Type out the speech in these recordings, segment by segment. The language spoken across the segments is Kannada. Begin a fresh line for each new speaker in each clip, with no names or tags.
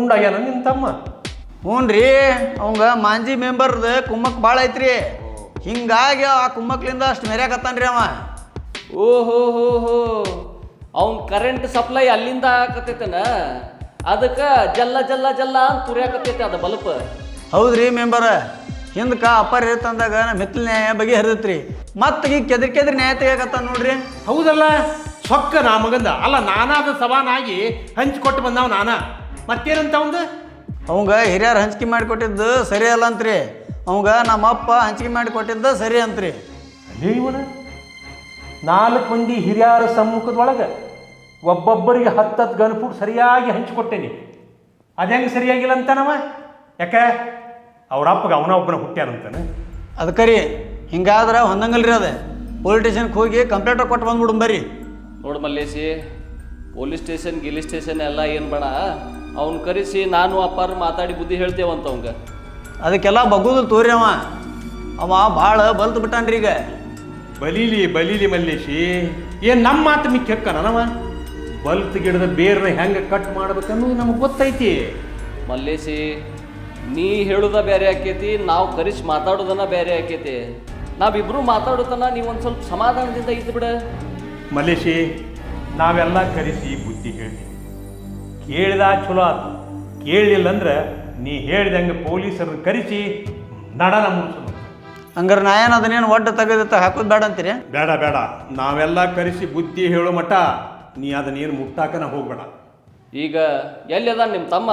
ಗುಂಡಾಗ್ಯಾನ ನಿನ್ನ ತಮ್ಮ?
ಹ್ಞೂ ರೀ, ಅವಂಗ ಮಾಂಜಿ ಮೆಂಬರ್ದು ಕುಮ್ಮಕ್ ಭಾಳ ಐತ್ರಿ. ಹಿಂಗಾಗಿ ಆ ಕುಮ್ಮಕ್ಲಿಂದ ಅಷ್ಟು ಮೆರ್ಯಾಕತ್ತಾನ್ರಿ ಅವ.
ಓಹೋ ಹೋ ಹೋ, ಅವ್ನ ಕರೆಂಟ್ ಸಪ್ಲೈ ಅಲ್ಲಿಂದ ಆಗಕತ್ತೈತನ, ಅದಕ್ಕೆ ಜಲ್ಲ ಜಲ್ಲ ಜಲ್ಲ ಅಂತ ತುರಿಯಾಕತ್ತೈತೆ ಅದು ಬಲ್ಪ್.
ಹೌದ್ರಿ ಮೆಂಬರ, ಹಿಂದಕ್ಕೆ ಅಪ್ಪರ್ ತಂದಾಗ ನಮ್ಮ ಹಿತ್ತಲ ನ್ಯಾಯ ಬಗೆ ಹರಿದತ್ರಿ. ಮತ್ತೆ ಈಗ ಕೆದ್ರಿ ನ್ಯಾಯ ತೆಗಿಯಕತ್ತಾನ ನೋಡ್ರಿ.
ಹೌದಲ್ಲ, ಸೊಕ್ಕ ನಾ ಮಗಂದ ಅಲ್ಲ, ನಾನಾದ ಸವಾನಾಗಿ ಹಂಚಿಕೊಟ್ಟು ಬಂದವ ನಾನ. ಮತ್ತೇನಂತ ಅವಂದು?
ಅವಂಗ ಹಿರಿಯರು ಹಂಚಿಕೆ ಮಾಡಿಕೊಟ್ಟಿದ್ದು ಸರಿ ಅಲ್ಲ ಅಂತ್ರಿ. ಅವಂಗ ನಮ್ಮ ಅಪ್ಪ ಹಂಚಿಕೆ ಮಾಡಿಕೊಟ್ಟಿದ್ದು ಸರಿ ಅಂತ್ರಿ.
ಅಲ್ಲೇ ಇವನ 4 ಮಂದಿ ಹಿರಿಯರ ಸಮ್ಮುಖದೊಳಗೆ ಒಬ್ಬೊಬ್ಬರಿಗೆ 10 ಗನ್ಫುಟ್ ಸರಿಯಾಗಿ ಹಂಚಿಕೊಟ್ಟೇನಿ. ಅದು ಹೆಂಗೆ ಸರಿಯಾಗಿಲ್ಲ ಅಂತಾನವ? ಯಾಕೆ ಅವ್ರ ಅಪ್ಪಗೆ ಅವನ ಒಬ್ಬನ ಹುಟ್ಟ್ಯಾನಂತಾನೆ.
ಅದಕ್ಕೆ ರೀ, ಹಿಂಗಾದ್ರೆ ಹೊಂದಂಗಲ್ರಿ ಅದೇ. ಪೊಲೀಸ್ ಸ್ಟೇಷನ್ಗೆ ಹೋಗಿ ಕಂಪ್ಲೇಂಟ್ ಕೊಟ್ಟು ಬಂದ್ಬಿಡು ಬರ್ರಿ.
ನೋಡು ಮಲ್ಲೇಶಿ, ಪೊಲೀಸ್ ಸ್ಟೇಷನ್ ಗಿಲಿ ಸ್ಟೇಷನ್ ಎಲ್ಲ ಏನು ಬೇಡ, ಅವ್ನು ಕರೆಸಿ ನಾನು ಅಪ್ಪಾರು ಮಾತಾಡಿ ಬುದ್ಧಿ ಹೇಳ್ತೇವಂತ ಅವಂಗ.
ಅದಕ್ಕೆಲ್ಲ ಬಗ್ಗುದು ತೋರಿ. ಅವ ಭಾಳ ಬಲ್ತು ಬಿಟ್ಟಾನ್ರಿ ಈಗ.
ಬಲೀಲಿ ಮಲ್ಲೇಶಿ, ಏನು ನಮ್ಮ ಮಾತು ಮಿಕ್ಕಿ ಹಕ್ಕನವ? ಬಲ್ತ್ ಗಿಡದ ಬೇರ್ನ ಹೆಂಗೆ ಕಟ್ ಮಾಡ್ಬೇಕನ್ನೋದು ನಮಗೆ ಗೊತ್ತೈತಿ.
ಮಲ್ಲೇಶಿ, ನೀ ಹೇಳುದ ಬೇರೆ ಆಕೈತಿ, ನಾವು ಕರೆಸಿ ಮಾತಾಡೋದನ್ನ ಬೇರೆ ಆಕೈತಿ. ನಾವಿಬ್ರು ಮಾತಾಡೋದನ್ನ ನೀವೊಂದು ಸ್ವಲ್ಪ ಸಮಾಧಾನದಿಂದ ಇದ್ದು ಬಿಡ.
ಮಲ್ಲೇಶಿ, ನಾವೆಲ್ಲ ಕರೆಸಿ ಬುದ್ಧಿ ಹೇಳ್ತೀವಿ. ಕೇಳಿದ ಚಲೋ ಆತು, ಕೇಳಲಿಲ್ಲ ಅಂದ್ರೆ ನೀ ಹೇಳಿದಂಗೆ ಪೊಲೀಸರನ್ನ ಕರೆಸಿ ನಡನ ಮುಗಿಸೋದು.
ಹಂಗಾರೆ ನಾ ಏನು ಅದನ್ನೇನು ಒಡ್ಡ ತೆಗೆದಿತ್ತ ಹಾಕೋದು ಬೇಡ ಅಂತೀರಿ?
ಬೇಡ, ನಾವೆಲ್ಲ ಕರೆಸಿ ಬುದ್ಧಿ ಹೇಳೋ ಮಟ್ಟ ನೀ ಅದನ್ನೇನು ಮುಟ್ಟಾಕನ ಹೋಗ್ಬೇಡ.
ಈಗ ಎಲ್ಲಿ ಅದ ನಿಮ್ಮ ತಮ್ಮ?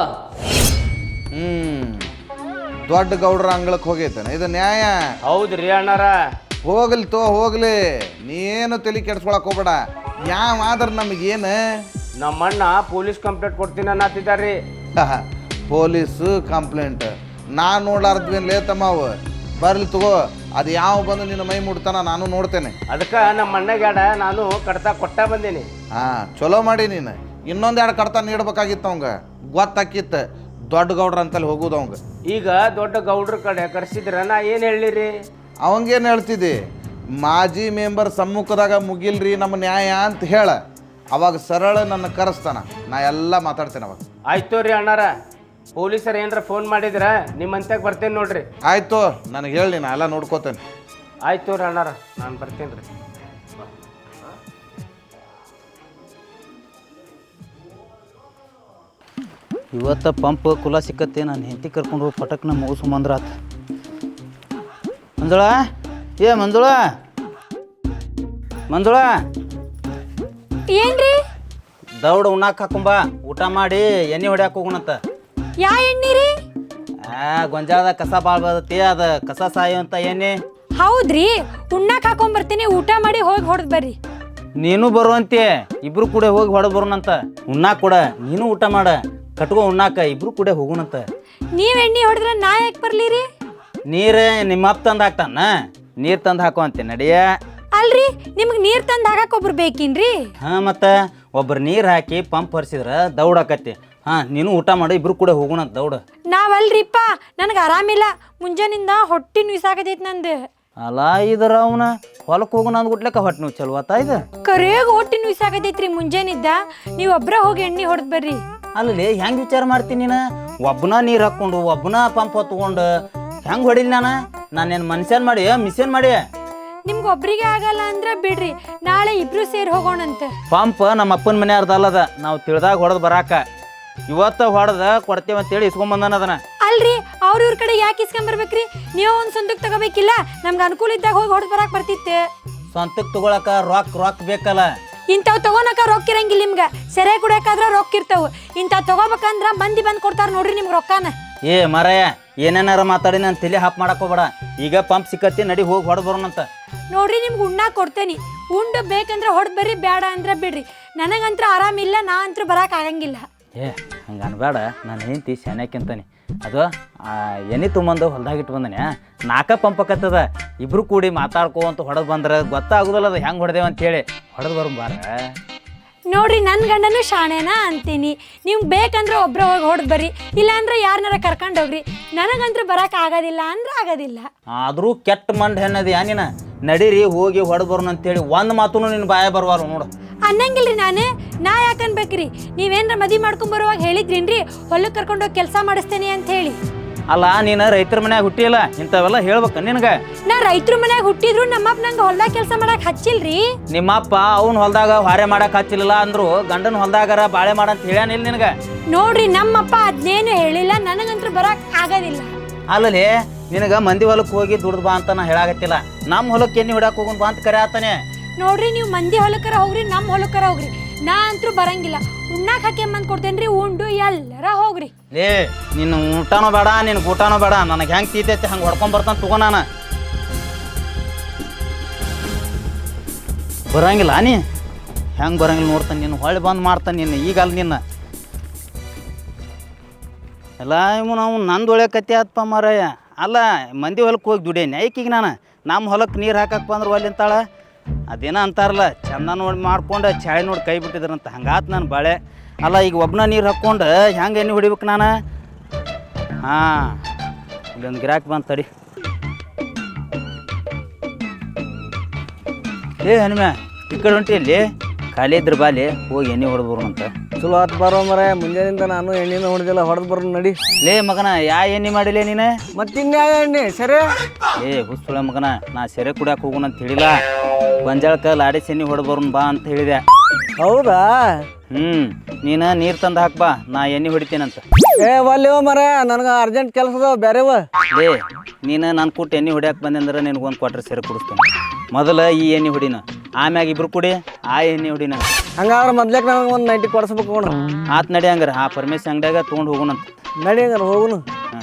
ದೊಡ್ಡ ಗೌಡ್ರ ಅಂಗಳಕ್ಕೆ ಹೋಗೈತನ ಇದು ನ್ಯಾಯ?
ಹೌದ್ರಿ ಅಣ್ಣಾರ.
ಹೋಗ್ಲಿ ನೀನು ತಲೆ ಕೆಡ್ಸ್ಕೊಳಕ್ ಹೋಗ್ಬೇಡ. ಯಾವ ಆದ್ರೆ ನಮಗೇನು?
ನಮ್ಮಣ್ಣ ಪೊಲೀಸ್ ಕಂಪ್ಲೇಂಟ್ ಕೊಡ್ತೀನಿ ಅನ್ನತ್ತಿದ್ದಾರ್ರಿ.
ಪೊಲೀಸು ಕಂಪ್ಲೇಂಟ್ ನಾನು ನೋಡ್ಲಾರ್ದ್ವೇನು ಲೇತಮ್ಮ ಅವು. ಬರ್ಲಿ ತಗೋ, ಅದು ಯಾವ ಬಂದು ನಿನ್ನ ಮೈ ಮುಡ್ತಾನ ನಾನು ನೋಡ್ತೇನೆ.
ಅದಕ್ಕೆ ನಮ್ಮ ಅಣ್ಣಗ್ಯಾಡ ನಾನು ಕಡ್ತಾ ಕೊಟ್ಟ ಬಂದೀನಿ.
ಚಲೋ ಮಾಡಿ ನೀನು. ಇನ್ನೊಂದೆರಡು ಕಡ್ತಾ ನೀಡ್ಬೇಕಾಗಿತ್ತು ಅವಂಗ, ಗೊತ್ತಾಕಿತ್ತು. ದೊಡ್ಡ ಗೌಡ್ರ ಅಂತಲ್ಲಿ ಹೋಗುದು ಅವಂಗ.
ಈಗ ದೊಡ್ಡ ಗೌಡ್ರ ಕಡೆ ಕರ್ಸಿದ್ರ ನಾ ಏನು ಹೇಳಿರಿ?
ಅವಂಗೇನು ಹೇಳ್ತಿದ್ದಿ? ಮಾಜಿ ಮೆಂಬರ್ ಸಮ್ಮುಖದಾಗ ಮುಗಿಲ್ರಿ ನಮ್ಮ ನ್ಯಾಯ ಅಂತ ಹೇಳ. ಅವಾಗ ಸರಳ ನನ್ನ ಕರೆಸ್ತಾನ, ನಾ ಎಲ್ಲ ಮಾತಾಡ್ತೇನೆ ಅವಾಗ.
ಆಯ್ತು ರೀ ಅಣ್ಣಾರ, ಪೊಲೀಸರು ಏನಾರ ಫೋನ್ ಮಾಡಿದ್ರ ನಿಮ್ಮಂತ್ಯಾಗ ಬರ್ತೇನೆ ನೋಡ್ರಿ.
ಆಯ್ತು, ನನಗೆ ಹೇಳಿ, ನಾ ಎಲ್ಲ ನೋಡ್ಕೋತೇನೆ.
ಆಯ್ತು ರೀ ಅಣ್ಣಾರ, ನಾನು ಬರ್ತೇನೆ ರೀ.
ಇವತ್ತು ಪಂಪ್ ಕುಲ ಸಿಕ್ಕತ್ತೆ. ನಾನು ಹೆಂಡತಿ ಕರ್ಕೊಂಡು ಹೋಗಿ ಪಟಕ್ನ ಮುಗಿಸ್ಕೊಂಬಂದ್ರ ಆತ. ಮಂಜುಳ, ಮಂಜುಳ
ಏನ್ರಿ?
ದೌಡ್ ಉಣ್ಣಾಕ ಹಾಕೊಂಬ, ಊಟ ಮಾಡಿ ಎಣ್ಣೆ ಹೊಡ್ಯಾಕ ಹೋಗೋಣಂತ.
ಯಾ ಎಣ್ಣಿ ರೀ?
ಗೊಂಜಾಳದ ಕಸ ಭಾಳ ಬರ್ತೈತಿ, ಅದ ಕಸ ಸಾಯೋ ಅಂತ ಎಣ್ಣೆ.
ಹೌದ್ರಿ, ಉಣ್ಣಾಕ ಹಾಕೊಂಬರ್ತೀನಿ, ಊಟ ಮಾಡಿ ಹೋಗಿ ಹೊಡೆದ್ ಬರ್ರಿ.
ನೀನು ಬರುವಂತೆ, ಇಬ್ರು ಕೂಡ ಹೋಗಿ ಹೊಡೆದ್ ಬರೋಣಂತ. ಉಣ್ಣಾಕ ಕೂಡ ನೀನು ಊಟ ಮಾಡ, ಕಟ್ಕೊ ಉಣ್ಣಾಕ, ಇಬ್ರು ಕೂಡ ಹೋಗೋಣಂತ.
ನೀವ್ ಎಣ್ಣೆ ಹೊಡೆದ್ರ ನಾ ಯಾಕೆ ಬರ್ಲಿರಿ?
ನೀರು ನಿಮ್ಮ ಅಪ್ಪ ತಂದು ಹಾಕ್ತಾನ, ನೀರು ತಂದು ಹಾಕೋ ಅಂತೆ ನಡಿಯ.
ಅಲ್ರಿ, ನಿಮ್ಗೆ ನೀರ್ ತಂದ್ ಹಾಕಕ್ ಒಬ್ರು ಬೇಕಿನ್ರಿ?
ಮತ್ತೆ ಒಬ್ರು ನೀರು ಹಾಕಿ ಪಂಪ್ ಹರಿಸಿದ್ರ ದೌಡ್ ಆಕತಿ. ನೀನು ಊಟ ಮಾಡಿ, ಇಬ್ರು ಕೂಡ ಹೋಗೋಣಂತ ದೌಡ್.
ನಾವಲ್ರಿಪ್ಪ, ನನಗೆ ಆರಾಮಿಲ್ಲ, ಮುಂಜಾನಿಂದ ಹೊಟ್ಟಿ ನುಯ್ಸಾಕತೈತಿ ನಂದು.
ಅಲ್ಲ ಇದರ ಅವನ ಹೊಲಕ್ಕೆ ಹೋಗೋಣ ಅಂದ್ಬಿಟ್ಲಕ್ಕ ಹೊಟ್ಟೆ ನೀವು ಚಲೋ ಆತ ಇದು.
ಕರೆಯಾಗ ಹೊಟ್ಟಿ ನುಯ್ಸಾಕತೈತ್ರಿ ಮುಂಜಾನಿದ್ದ. ನೀವ್ ಒಬ್ರ ಹೋಗಿ ಎಣ್ಣೆ ಹೊಡೆದ್ ಬರ್ರಿ.
ಅಲ್ಲಿ ಹೆಂಗೆ ವಿಚಾರ ಮಾಡ್ತೀನಿ ನೀನು? ಒಬ್ಬನ ನೀರು ಹಾಕ್ಕೊಂಡು ಒಬ್ಬನ ಪಂಪ್ ಹೊತ್ಕೊಂಡು ಹೆಂಗೆ ಹೊಡಿಲಿ? ನಾನೇನು ಮನುಷ್ಯನ್ ಮಾಡಿ ಮಿಷನ್ ಮಾಡಿ?
ನಿಮ್ಗೆ ಒಬ್ರಿಗೆ ಆಗಲ್ಲ ಅಂದ್ರೆ ಬಿಡ್ರಿ, ನಾಳೆ ಇಬ್ರು ಸೇರಿ ಹೋಗೋಣಂತ.
ಪಂಪ್ ನಮ್ಮ ಅಪ್ಪನ ಮನೆ ಅರ್ಧಲ್ಲದ, ನಾವು ತಿಳಿದಾಗ ಹೊಡೆದು ಬರಾಕ. ಇವತ್ತ ಹೊಡೆದ ಕೊಡ್ತೇವೆ ಅಂತೇಳಿ ಇಸ್ಕೊಂಬಂದಾನ ಅದನ್ನ.
ಅಲ್ರಿ, ಇವ್ರ ಕಡೆ ಯಾಕೆ ಇಸ್ಕೊಂಬರ್ಬೇಕ್ರಿ? ನೀವು ಒಂದು ಸ್ವಂತಕ್ಕೆ ತಗೋಬೇಕಿಲ್ಲ? ನಮ್ಗೆ ಅನುಕೂಲ ಇದ್ದಾಗ ಹೋಗಿ ಹೊಡೆದ್ ಬರಾಕ್ ಬರ್ತಿತ್ತೆ.
ಸ್ವಂತಕ್ಕೆ ತಗೊಳಕ ರೊಕ್ಕ ಬೇಕಲ್ಲ.
ಇಂಥವ್ ತಗೋನಕ ರೊಕ್ಕ ಇರಂಗಿಲ್ಲ ನಿಮ್ಗೆ. ಸೆರೆ ಕುಡಿಯಕಾದ್ರ ರೊಕ್ಕ ಇರ್ತಾವ. ಇಂಥವ್ ತಗೋಬೇಕಂದ್ರ ಮಂದಿ ಬಂದು ಕೊಡ್ತಾರ ನೋಡ್ರಿ ನಿಮ್ಗೆ ರೊಕ್ಕನ.
ಮರಯ್ಯ, ಏನೇನಾರ ಮಾತಾಡಿ ನಾನು ತಲೆ ಹಾಪ್ ಮಾಡಕ್ ಹೋಗ್ಬೇಡ. ಈಗ ಪಂಪ್ ಸಿಕ್ಕತ್ತಿ, ನಡಿ ಹೋಗಿ ಹೊಡೆದ್ ಬರೋಣಂತ.
ನೋಡ್ರಿ, ನಿಮ್ಗೆ ಉಣ್ಣಾಕ ಕೊಡ್ತೇನಿ, ಉಂಡು ಬೇಕಂದ್ರೆ ಹೊಡೆದ್ ಬರ್ರಿ, ಬೇಡ ಅಂದ್ರೆ ಬಿಡ್ರಿ. ನನಗಂತ್ರ ಆರಾಮಿಲ್ಲ, ನಾ ಅಂತೂ ಬರಾಕ್ ಆಗಂಗಿಲ್ಲ.
ಹಂಗೆ ಅನ್ಬೇಡ, ನಾನು ಹೆಂಡತಿ ಶಾನ್ಯಾಕಿಂತಾನೆ. ಅದು ಎಣ್ಣೆ ತುಂಬಂದು ಹೊಲ್ದಾಗ ಇಟ್ಟು ಬಂದನೆ, 4 ಪಂಪ್ ಆಕತ್ತದ. ಇಬ್ರು ಕೂಡಿ ಮಾತಾಡ್ಕೋಂತ ಹೊಡೆದು ಬಂದ್ರೆ ಗೊತ್ತಾಗೋದಿಲ್ಲ ಅದು ಹೆಂಗೆ ಹೊಡೆದೇವ ಅಂತೇಳಿ. ಹೊಡೆದು ಬರಂಬಾರ.
ನೋಡ್ರಿ, ನನ್ನ ಗಂಡನೂ ಶಾಣೆನಾ ಅಂತೀನಿ. ನೀವು ಬೇಕಂದ್ರೆ ಒಬ್ರ ಹೋಗಿ ಹೊಡೆದ್ ಬರ್ರಿ, ಇಲ್ಲಾಂದ್ರೆ ಯಾರನ್ನಾರ ಕರ್ಕೊಂಡು ಹೋಗ್ರಿ. ನನಗಂತ್ರ ಬರಾಕ್ ಆಗೋದಿಲ್ಲ ಅಂದ್ರೆ ಆಗೋದಿಲ್ಲ.
ಆದರೂ ಕೆಟ್ಟ ಮಂಡ್ ಹೆಣ್ಣದಿ ನೀನು. ನಡೀರಿ ಹೋಗಿ ಹೊಡೆದು ಬರೋಣ ಅಂತೇಳಿ ಒಂದು ಮಾತು ನಿನ್ನ ಬಾಯ ಬರುವಾರ ನೋಡು.
ಅನ್ನಂಗಿಲ್ರಿ ನಾ ಯಾಕೆ ಅನ್ಬೇಕ್ರಿ? ನೀವೇನ್ರ ಮದಿ ಮಾಡ್ಕೊಂಡ್ ಬರುವಾಗ ಹೇಳಿದ್ರೇನ್ರಿ ಹೊಲಕ್ಕೆ ಕರ್ಕೊಂಡೋಗಿ ಕೆಲಸ ಮಾಡಿಸ್ತೇನೆ ಅಂತ ಹೇಳಿ?
ಅಲ್ಲ ನೀನು ರೈತರ ಮನ್ಯಾಗ ಹುಟ್ಟಿಲ್ಲ, ಇಂಥವೆಲ್ಲ ಹೇಳ್ಬೇಕ ನಿನಗೆ?
ನಾ ರೈತರ ಮನ್ಯಾಗ ಹುಟ್ಟಿದ್ರು ನಮ್ಮಪ್ಪ ನಂಗೆ ಹೊಲ್ದಾಗ ಕೆಲಸ ಮಾಡಕ್ ಹಚ್ಚಿಲ್ರಿ.
ನಿಮ್ಮಪ್ಪ ಅವ್ನ ಹೊಲ್ದಾಗ ಹಾರೆ ಮಾಡಕ್ ಹಚ್ಚಿಲ್ಲ ಅಂದ್ರು ಗಂಡನ ಹೊಲ್ದಾಗಾರ ಬಾಳೆ ಮಾಡಂತ ಹೇಳ್ಯಾನಿಲ್ಲ ನಿನಗೆ?
ನೋಡ್ರಿ ನಮ್ಮಪ್ಪ ಅದ್ನೇನು ಹೇಳಿಲ್ಲ, ನನಗಂತೂ ಬರಕ್ ಆಗೋದಿಲ್ಲ.
ಅಲ್ಲಲ್ಲಿ ನಿನಗೆ ಮಂದಿ ಹೊಲಕ್ಕೆ ಹೋಗಿ ದುಡ್ದು ಬಾ ಅಂತ ನಾ ಹೇಳಾಗತ್ತಿಲ್ಲ. ನಮ್ಮ ಹೊಲಕ್ಕೆ ಎಣ್ಣೆ ಹೊಡ್ಯಾಕ ಹೋಗೋಣ ಬಾ ಅಂತ ಕರೆ ಆತಾನೆ.
ನೋಡ್ರಿ ನೀವು ಮಂದಿ ಹೊಲಕ್ಕರ ಹೋಗ್ರಿ, ನಮ್ಮ ಹೊಲಕ್ಕರ ಹೋಗ್ರಿ, ನಾ ಅಂತೂ ಬರಂಗಿಲ್ಲ. ಉಣ್ಣಾಕ್ ಹಾಕ್ಯಂಬಂದ್ ಕೊಡ್ತೇನ್ರಿ, ಉಂಡು ಎಲ್ಲರ ಹೋಗ್ರಿ.
ಲೇ ನಿನ್ನ ಊಟನೂ ಬೇಡ, ನಿನ್ನ ಊಟನೂ ಬೇಡ, ನನಗೆ ಹೆಂಗೆ ತೀತೈತಿ ಹಂಗೆ ಹೊಡ್ಕೊಂಡ್ ಬರ್ತಾನೆ ತಗೋ. ನಾನು ಬರಂಗಿಲ್ಲ, ನೀ ಹೆಂಗೆ ಬರಂಗಿಲ್ಲ ನೋಡ್ತಾನೆ. ನಿನ್ನ ಹೊಳ್ಳಿ ಬಂದು ಮಾಡ್ತಾನೆ ನಿನ್ನ. ಈಗ ಅಲ್ಲಿ ನಿನ್ನ ಎಲ್ಲ ಇವು ನಾವು ನಂದು ಒಳ್ಳೆ ಕತ್ತೆ ಆತ್ಪ ಮಾರಾಯ. ಅಲ್ಲ ಮಂದಿ ಹೊಲಕ್ಕೆ ಹೋಗಿ ದುಡೇನಿ ಐಕಿಗೆ ನಾನು. ನಮ್ಮ ಹೊಲಕ್ಕೆ ನೀರು ಹಾಕಕ್ಕೆ ಬಂದ್ರೆ ಒಲ್ಲಿ ಅಂತಾಳ. ಅದೇನೋ ಅಂತಾರಲ್ಲ, ಚಂದ ನೋಡಿ ಮಾಡ್ಕೊಂಡು ಚಾಳಿ ನೋಡಿ ಕೈ ಬಿಟ್ಟಿದ್ರಂತ, ಹಂಗಾತು ನಾನು ಬಾಳೆ. ಅಲ್ಲ ಈಗ ಒಬ್ಬನ ನೀರು ಹಾಕ್ಕೊಂಡು ಹೆಂಗೆ ಎಣ್ಣೆ ಹೊಡಿಬೇಕು ನಾನು? ಹಾಂ ಇಲ್ಲೊಂದು ಗಿರಾಕಿ ಬಂದು ತಡಿ. ಹನುಮ ಈ ಕಡೆ ಹೊಂಟಿಯಲ್ಲಿ ಖಾಲಿ ಇದ್ರೆ ಬಾಲಿ ಹೋಗಿ ಎಣ್ಣೆ ಹೊಡೆದು ಬರೋಣಂತ.
ಚಲೋ ಆತು ಬರೋ ಮರ, ಮುಂಜಾನಿಂದ ನಾನು ಎಣ್ಣೆನ ಹೊಡೆದಿಲ್ಲ, ಹೊಡೆದು ಬರೋ ನಡಿ.
ಲೇ ಮಗನ ಯಾ ಎಣ್ಣೆ ಮಾಡಿಲ್ಲ ನೀನು?
ಮತ್ತಿನ್ಯಾವ ಎಣ್ಣೆ ಸರಿ?
ಹುಸುಳೆ ಮಗನ, ನಾ ಸೆರೆ ಕುಡಿಯಕ್ಕೆ ಹೋಗೋಣ ಅಂತ ಹೇಳಿಲ್ಲ, ಗೊಂಜಾಳಕ್ಕೆ ಲಾಡಿ ಎಣ್ಣೆ ಹೊಡೆದು ಬರೋಣ ಬಾ ಅಂತ ಹೇಳಿದೆ.
ಹೌದಾ?
ನೀನು ನೀರು ತಂದು ಹಾಕ್ಬಾ, ನಾ ಎಣ್ಣೆ ಹೊಡಿತೀನಂತ.
ಒಲ್ಲೆವ ಮರ, ನನಗೆ ಅರ್ಜೆಂಟ್ ಕೆಲಸದ ಬೇರೆವ.
ಲೇ ನೀನು ನಾನು ಕೊಟ್ಟು ಎಣ್ಣೆ ಹೊಡ್ಯಾಕೆ ಬಂದೆ ಅಂದ್ರೆ ನಿನಗೊಂದು ಕ್ವಾಟ್ರ್ ಸೆರೆ ಕುಡಿಸ್ತೇನೆ. ಮೊದಲು ಈ ಎಣ್ಣೆ ಹೊಡಿನ, ಆಮ್ಯಾಗ ಇಬ್ರು ಕುಡಿ ಆ ಎಣ್ಣೆ ಹೊಡಿನ.
ಹಂಗಾದ್ರೆ ಮೊದ್ಲೇಕ್ ನನಗೆ ಒಂದು 90 ಕೊಡಿಸ್ಬೇಕು ನೋಡು.
ಆತ್ ನಡಿ ಹಂಗಾರೆ ಆ ಪರಮೇಶ್ ಅಂಗಡಿಯಾಗ ತೊಗೊಂಡು ಹೋಗೋಣಂತ.
ನಡಿ ಹಂಗಾರೆ ಹೋಗುನು.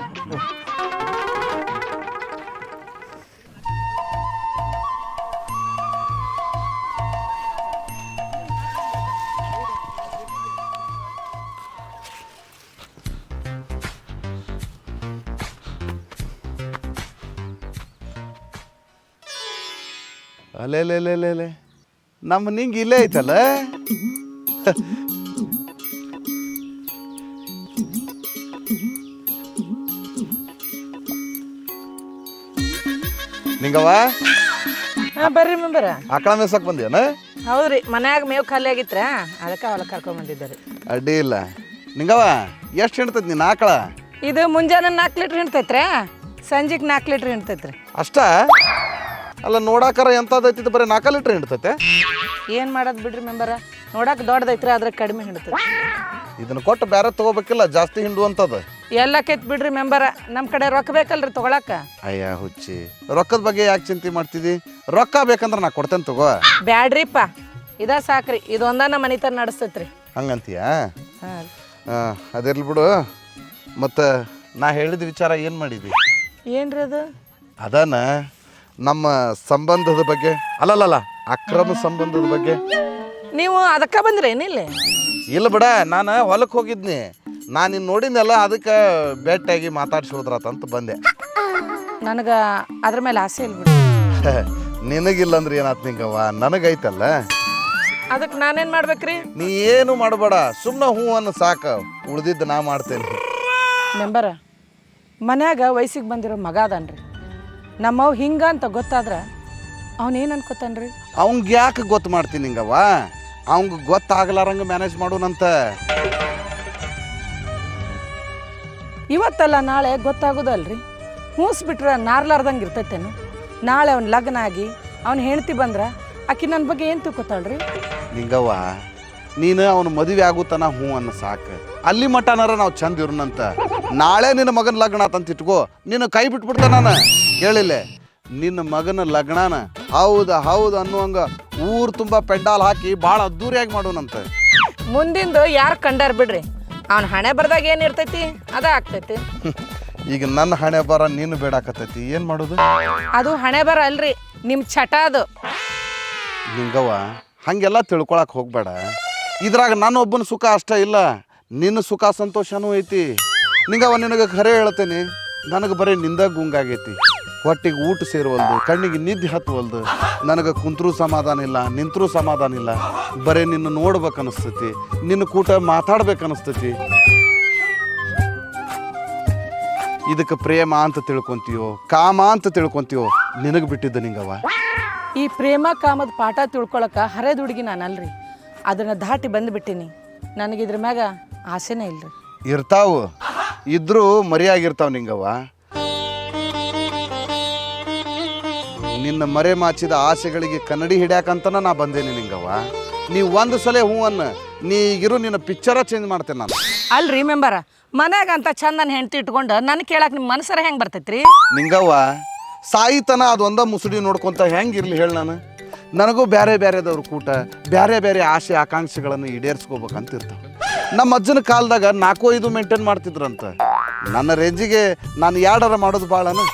ಅಲ್ಲೇ ನಮ್ಮ ನಿಂಗೆ ಇಲ್ಲೇ ಐತಲ್ಲ. ನಿಂಗವ್ವ
ಬರ್ರಿ ಮೆಂಬರ.
ಆಕಳ ಮೇಸಕ್ ಬಂದೇನ?
ಹೌದ್ರಿ, ಮನ್ಯಾಗ ಮೇವು ಖಾಲಿ ಆಗಿತ್ರ, ಅದಕ್ಕೆ ಹೊಲಕ್ಕೆ ಕರ್ಕೊಂಡ್ ಬಂದಿದ್ದಾರೆ.
ಅಡ್ಡಿ ಇಲ್ಲ. ನಿಂಗವ್ವ ಎಷ್ಟು ಹಿಂಡ್ತೈತಿ ನಿನ್ನ ಆಕಳ?
ಇದು ಮುಂಜಾನೆ 4 ಲೀಟ್ರ್ ಹಿಂಡ್ತೈತ್ರಿ, ಸಂಜೆಗೆ 4 ಲೀಟ್ರ್ ಹಿಂಡ್ತೈತ್ರಿ.
ಅಷ್ಟ? ಅಲ್ಲ ನೋಡಾಕರ ಎಂಥದೈತಿ, ಬರೀ 4 ಲೀಟ್ರ್ ಹಿಂಡ್ತೈತೆ?
ಏನು ಮಾಡೋದು ಬಿಡ್ರಿ ಮೆಂಬರ, ನೋಡಕ್ಕೆ ದೊಡ್ಡದೈತ್ರಿ, ಆದ್ರೆ ಕಡಿಮೆ ಹಿಂಡ್ತೈತಿ.
ಇದನ್ನ ಕೊಟ್ಟು ಬೇರೆ ತಗೋಬೇಕಿಲ್ಲ, ಜಾಸ್ತಿ ಹಿಂಡುವಂಥದ್ದು.
ಎಲ್ಲ ಕೆತ್ ಬಿಡ್ರಿ ಮೆಂಬರ, ನಮ್ಮ ಕಡೆ ರೊಕ್ಕ ಬೇಕಲ್ರಿ ತೊಗೊಳಕ.
ಅಯ್ಯ ಹುಚ್ಚಿ, ರೊಕ್ಕದ ಬಗ್ಗೆ ಯಾಕೆ ಚಿಂತೆ ಮಾಡ್ತಿದ್ದಿ? ರೊಕ್ಕ ಬೇಕಂದ್ರೆ ನಾ ಕೊಡ್ತೇನೆ ತಗೋ.
ಬ್ಯಾಡ್ರಿಪ್ಪ, ಇದ ಸಾಕ್ರಿ, ಇದೊಂದ ನಮ್ಮ ಮನಿತನ ನಡೆಸ್ತೈತ್ರಿ.
ಹಂಗಂತೀಯ?
ಹಾಂ
ಅದಿರ್ಲಿ ಬಿಡು. ಮತ್ತು ನಾ ಹೇಳಿದ ವಿಚಾರ ಏನು ಮಾಡಿದ್ವಿ?
ಏನ್ರಿ ಅದು?
ಅದಾನ ನಮ್ಮ ಸಂಬಂಧದ ಬಗ್ಗೆ, ಅಲ್ಲಲ್ಲ ಅಕ್ರಮ ಸಂಬಂಧದ ಬಗ್ಗೆ.
ನೀವು ಅದಕ್ಕೆ ಬಂದ್ರಿ ಏನಿಲ್ಲ?
ಇಲ್ಲ ಬಿಡ, ನಾನು ಹೊಲಕ್ಕೆ ಹೋಗಿದ್ನಿ, ನಾನು ನಿನ್ನ ನೋಡಿದ್ನಲ್ಲ, ಅದಕ್ಕೆ ಭೇಟಿಯಾಗಿ ಮಾತಾಡ್ಸೋದ್ರಾತಂತ ಬಂದೆ.
ನನಗೆ ಅದ್ರ ಮೇಲೆ ಆಸೆ ಇಲ್ಲ ಬಿಡಿ.
ನಿನಗಿಲ್ಲ ಅಂದ್ರೆ ಏನಾಯ್ತು ನಿಂಗವ್ವ, ನನಗೈತಲ್ಲ.
ಅದಕ್ಕೆ ನಾನೇನು ಮಾಡ್ಬೇಕ್ರಿ?
ನೀ ಏನು ಮಾಡಬೇಡ, ಸುಮ್ಮನೆ ಹ್ಞೂ ಅನ್ನು ಸಾಕು, ಉಳ್ದಿದ್ದು ನಾ ಮಾಡ್ತೇನೆ.
ಮೆಂಬರ, ಮನ್ಯಾಗ ವಯಸ್ಸಿಗೆ ಬಂದಿರೋ ಮಗ ಅದಾನ್ರಿ, ನಮ್ಮವ್ ಹಿಂಗ ಅಂತ ಗೊತ್ತಾದ್ರೆ ಅವನೇನು ಅನ್ಕೋತಾನ್ರಿ?
ಅವಂಗೆ ಯಾಕೆ ಗೊತ್ತು ಮಾಡ್ತೀನಿ ನಿಂಗವ್ವ? ಅವಂಗೆ ಗೊತ್ತಾಗಲಾರಂಗೆ ಮ್ಯಾನೇಜ್ ಮಾಡೋನಂತ.
ಇವತ್ತಲ್ಲ ನಾಳೆ ಗೊತ್ತಾಗೋದಲ್ರಿ. ಹೂಸ್ಬಿಟ್ರೆ ನಾರ್ಲಾರ್ದಂಗೆ ಇರ್ತೈತೇನು? ನಾಳೆ ಅವ್ನ ಲಗ್ನ ಆಗಿ ಅವ್ನ ಹೆಂಡತಿ ಬಂದ್ರೆ ಆಕಿ ನನ್ನ ಬಗ್ಗೆ ಏನು ತಿಳ್ಕೊತಾಳ್ರಿ?
ನಿಂಗವ್ವ, ನೀನು ಅವನು ಮದುವೆ ಆಗುತ್ತಾನ ಹ್ಞೂ ಅನ್ನ ಸಾಕು, ಅಲ್ಲಿ ಮಟ್ಟನಾರ ನಾವು ಚಂದ ಇರೋಣಂತ. ನಾಳೆ ನಿನ್ನ ಮಗನ ಲಗ್ನ ಆತಂತ ಇಟ್ಕೋ, ನೀನು ಕೈ ಬಿಟ್ಬಿಡ್ತ. ನಾನು ಕೇಳಿಲ್ಲ, ನಿನ್ನ ಮಗನ ಲಗ್ನಾನ ಹೌದು ಅನ್ನುವಂಗ ಊರು ತುಂಬ ಪೆಂಡಾಲ್ ಹಾಕಿ ಭಾಳ ಅದ್ದೂರಿಯಾಗಿ ಮಾಡೋಣಂತ.
ಮುಂದಿಂದು ಯಾರು ಕಂಡಾರ ಬಿಡ್ರಿ, ಅವ್ನ ಹಣೆ ಬರ್ದಾಗ ಏನು ಇರ್ತೈತಿ ಅದ ಆಗ್ತೈತಿ.
ಈಗ ನನ್ನ ಹಣೆ ಬರ ನೀನು ಬೇಡಾಕತ್ತೈತಿ, ಏನು ಮಾಡೋದು?
ಅದು ಹಣೆ ಬರ ಅಲ್ರಿ, ನಿಮ್ಮ ಚಟ ಅದು.
ನಿಂಗವ್ವ, ಹಾಗೆಲ್ಲ ತಿಳ್ಕೊಳಕ್ಕೆ ಹೋಗ್ಬೇಡ. ಇದ್ರಾಗ ನನ್ನ ಒಬ್ಬನ ಸುಖ ಅಷ್ಟೇ ಇಲ್ಲ, ನಿನ್ನ ಸುಖ ಸಂತೋಷನೂ ಐತಿ. ನಿಂಗವ್ವ, ನಿನಗೆ ಖರೆ ಹೇಳ್ತೇನೆ, ನನಗೆ ಬರೀ ನಿಂದ ಗುಂಗಾಗೈತಿ. ಹೊಟ್ಟಿಗೆ ಊಟ ಸೇರುವಲ್ದು, ಕಣ್ಣಿಗೆ ನಿದ್ದೆ ಹತ್ತುವಲ್ದು, ನನಗೆ ಕುಂತ್ರೂ ಸಮಾಧಾನ ಇಲ್ಲ, ನಿಂತರೂ ಸಮಾಧಾನ ಇಲ್ಲ. ಬರೀ ನಿನ್ನ ನೋಡ್ಬೇಕು ಅನಿಸ್ತೈತಿ, ನಿನ್ನ ಕೂಟ ಮಾತಾಡ್ಬೇಕು ಅನಿಸ್ತೈತಿ. ಇದಕ್ಕೆ ಪ್ರೇಮ ಅಂತ ತಿಳ್ಕೊಂತೀವೋ ಕಾಮ ಅಂತ ತಿಳ್ಕೊಂತೀವೋ ನಿನಗೆ ಬಿಟ್ಟಿದ್ದ ನಿಂಗವ್ವ.
ಈ ಪ್ರೇಮ ಕಾಮದ ಪಾಠ ತಿಳ್ಕೊಳಕ್ಕೆ ಹರಿದ ಹುಡುಗಿ ನಾನಲ್ರಿ. ಅದನ್ನು ದಾಟಿ ಬಂದುಬಿಟ್ಟಿನಿ. ನನಗಿದ್ರ ಮ್ಯಾಗ ಆಸೆನೇ ಇಲ್ರಿ.
ಇರ್ತಾವು, ಇದ್ರೂ ಮರಿಯಾಗಿರ್ತಾವ ನಿಂಗವ್ವ. ನಿನ್ನ ಮರೆ ಮಾಚಿದ ಆಸೆಗಳಿಗೆ ಕನ್ನಡಿ ಹಿಡ್ಯಾಕಂತನ ನಾ ಬಂದೇನಿ ನಿಂಗವ್ವ. ನೀವು ಒಂದು ಸಲ ಹೂ ಅನ್ನ, ನೀ ಈಗಿರು ನಿನ್ನ ಪಿಕ್ಚರ ಚೇಂಜ್ ಮಾಡ್ತೇನೆ ನಾನು.
ಅಲ್ರಿ ಮೆಂಬರ, ಮನ್ಯಾಗ ಅಂತ ಚಂದನ ಹೆಂಡ್ತಿ ಇಟ್ಕೊಂಡು ನನಗೆ ಕೇಳಕ್ಕೆ ನಿಮ್ಮ ಮನಸ್ಸರ ಹೆಂಗೆ ಬರ್ತೈತ್ರಿ?
ನಿಂಗವ್ವ, ಸಾಯಿತನ ಅದೊಂದ ಮುಸುಡಿ ನೋಡ್ಕೊಂತ ಹೆಂಗಿರ್ಲಿ ಹೇಳಿ ನಾನು. ನನಗೂ ಬೇರೆ ಬೇರೆದವ್ರ ಕೂಟ ಬೇರೆ ಬೇರೆ ಆಸೆ ಆಕಾಂಕ್ಷೆಗಳನ್ನು ಈಡೇರಿಸ್ಕೋಬೇಕಂತ ಇರ್ತಾವೆ. ನಮ್ಮ ಅಜ್ಜನ ಕಾಲದಾಗ 4-5 ಮೇಂಟೈನ್ ಮಾಡ್ತಿದ್ರಂತ. ನನ್ನ ರೇಂಜಿಗೆ ನಾನು 2 ಮಾಡೋದು ಭಾಳನು.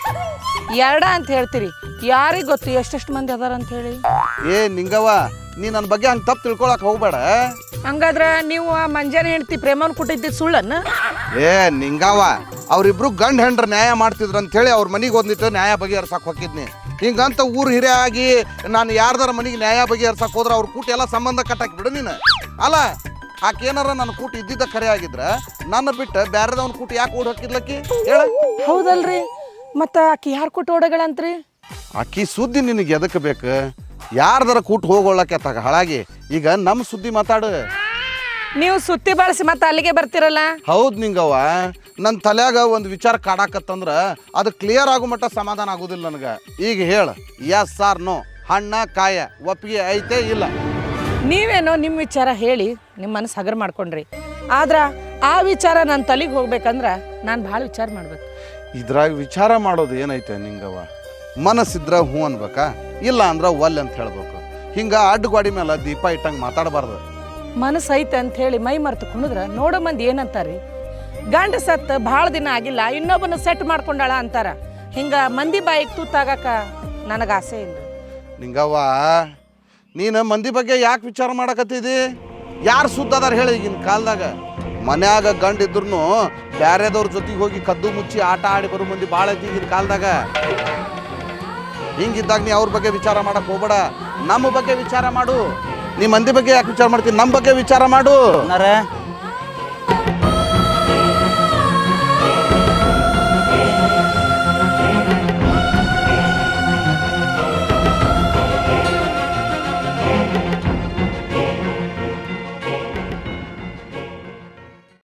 2 ಅಂತ ಹೇಳ್ತೀರಿ, ಯಾರಿಗೆ ಗೊತ್ತು ಎಷ್ಟೆಷ್ಟು ಮಂದಿ ಅದಾರ ಅಂತ ಹೇಳಿ.
ನಿಂಗವ್ವ, ನೀ ನನ್ನ ಬಗ್ಗೆ ಹಂಗೆ ತಪ್ಪು ತಿಳ್ಕೊಳಕ್ಕೆ ಹೋಗ್ಬೇಡ.
ಹಂಗಾದ್ರೆ ನೀವು ಆ ಮಂಜಾನ ಹೆಂಡ್ತಿ ಪ್ರೇಮನ್ ಕೊಟ್ಟಿದ್ದ ಸುಳ್ಳನ್ನ?
ನಿಂಗವ್ವ, ಅವರಿಬ್ರು ಗಂಡ ಹೆಂಡ್ರ ನ್ಯಾಯ ಮಾಡ್ತಿದ್ರು ಅಂತೇಳಿ ಅವ್ರ ಮನೆಗೆ ಒಂದಿಟ್ಟು ನ್ಯಾಯ ಬಗೆಹರ್ಸಕ್ಕೆ ಹೋಗಿದ್ನಿ. ಹಿಂಗಂತ ಊರು ಹಿರಿಯ ಆಗಿ ನಾನು ಯಾರ್ದಾರ ಮನೆಗೆ ನ್ಯಾಯ ಬಗೆಹರ್ಸಕ್ಕೆ ಹೋದ್ರೆ ಅವ್ರ ಕೂಟ ಎಲ್ಲ ಸಂಬಂಧ ಕಟ್ಟಾಕಿ ಬಿಡು ನೀನು. ಅಲ್ಲ, ಆಕೆ ಏನಾರ ನನ್ನ ಕೂಟ ಇದ್ದಿದ್ದ ಖರೆ ಆಗಿದ್ರೆ ನನ್ನ ಬಿಟ್ಟು ಬೇರೆದವನ ಕೂಟ ಯಾಕೆ ಓಡಿ ಹಾಕಿದ್ಲಕ್ಕಿ ಹೇಳ?
ಹೌದಲ್ರಿ, ಮತ್ತು ಆಕಿ ಯಾರು ಕೊಟ್ಟು ಓಡಗಳಂತ್ರಿ?
ಆಕಿ ಸುದ್ದಿ ನಿನಗೆ ಎದಕ್ಕೆ ಬೇಕು? ಯಾರ್ದಾರ ಕೂಟ ಹೋಗೋಳಕ್ಕೆ ತಗ ಹಾಳಾಗಿ. ಈಗ ನಮ್ಮ ಸುದ್ದಿ ಮಾತಾಡು.
ನೀವು ಸುತ್ತಿ ಬಳಸಿ ಮತ್ತೆ ಅಲ್ಲಿಗೆ ಬರ್ತಿರಲ್ಲ.
ಹೌದು ನಿಂಗವ್ವ, ನನ್ನ ತಲೆಯಾಗ ಒಂದು ವಿಚಾರ ಕಾಡಾಕತ್ತಂದ್ರೆ ಅದು ಕ್ಲಿಯರ್ ಆಗೋ ಮಟ್ಟ ಸಮಾಧಾನ ಆಗೋದಿಲ್ಲ ನನಗೆ. ಈಗ ಹೇಳು, ಎಸ್ ಆರ್ ನೋ, ಹಣ್ಣ ಕಾಯ ಒಪ್ಪಿಗೆ ಐತೆ ಇಲ್ಲ?
ನೀವೇನೋ ನಿಮ್ಮ ವಿಚಾರ ಹೇಳಿ ನಿಮ್ಮ ಮನಸ್ಸು ಹಗರ್ ಮಾಡ್ಕೊಂಡ್ರಿ. ಆದ್ರೆ ಆ ವಿಚಾರ ನನ್ನ ತಲೆಗೆ ಹೋಗ್ಬೇಕಂದ್ರೆ ನಾನು ಭಾಳ ವಿಚಾರ ಮಾಡ್ಬೇಕು.
ಇದ್ರಾಗ ವಿಚಾರ ಮಾಡೋದು ಏನೈತೆ ನಿಂಗವ್ವ? ಮನಸ್ಸಿದ್ರ ಹ್ಞೂ ಅನ್ಬೇಕಾ, ಇಲ್ಲ ಅಂದ್ರೆ ಒಲ್ಲೆ ಅಂತ ಹೇಳ್ಬೇಕು. ಹಿಂಗೆ ಅಡ್ಡಗೋಡಿ ಮೇಲೆ ದೀಪ ಇಟ್ಟಂಗೆ ಮಾತಾಡಬಾರ್ದು.
ಮನಸ್ಸು ಐತೆ ಅಂತ ಹೇಳಿ ಮೈ ಮರೆತು ಕುಣಿದ್ರೆ ನೋಡೋ ಮಂದಿ ಏನಂತಾರ್ರಿ? ಗಂಡ ಸತ್ತು ಭಾಳ ದಿನ ಆಗಿಲ್ಲ, ಇನ್ನೊಬ್ಬನ ಸೆಟ್ ಮಾಡ್ಕೊಂಡಾಳ ಅಂತಾರ. ಹಿಂಗೆ ಮಂದಿ ಬಾಯಿಗೆ ತೂತಾಗಕ ನನಗೆ ಆಸೆ ಇಲ್ಲ.
ನಿಂಗವ್ವ, ನೀನು ಮಂದಿ ಬಗ್ಗೆ ಯಾಕೆ ವಿಚಾರ ಮಾಡಕತ್ತಿದಿ? ಯಾರು ಸುದ್ದ ಅದಾರ ಹೇಳಿ? ಈಗಿನ ಕಾಲದಾಗ ಮನ್ಯಾಗ ಗಂಡ ಇದ್ರು ಬ್ಯಾರೆದವ್ರ ಜೊತೆಗೆ ಹೋಗಿ ಕದ್ದು ಮುಚ್ಚಿ ಆಟ ಆಡಿ ಬರೋ ಮಂದಿ ಭಾಳ ಐತಿ ಈಗಿನ ಕಾಲದಾಗ. ಹಿಂಗಿದ್ದಾಗ ನೀ ಅವ್ರ ಬಗ್ಗೆ ವಿಚಾರ ಮಾಡಕ್ಕೆ ಹೋಗ್ಬೇಡ, ನಮ್ಮ ಬಗ್ಗೆ ವಿಚಾರ ಮಾಡು. ನೀ ಮಂದಿ ಬಗ್ಗೆ ಯಾಕೆ ವಿಚಾರ ಮಾಡ್ತೀನಿ? ನಮ್ಮ ಬಗ್ಗೆ ವಿಚಾರ ಮಾಡು.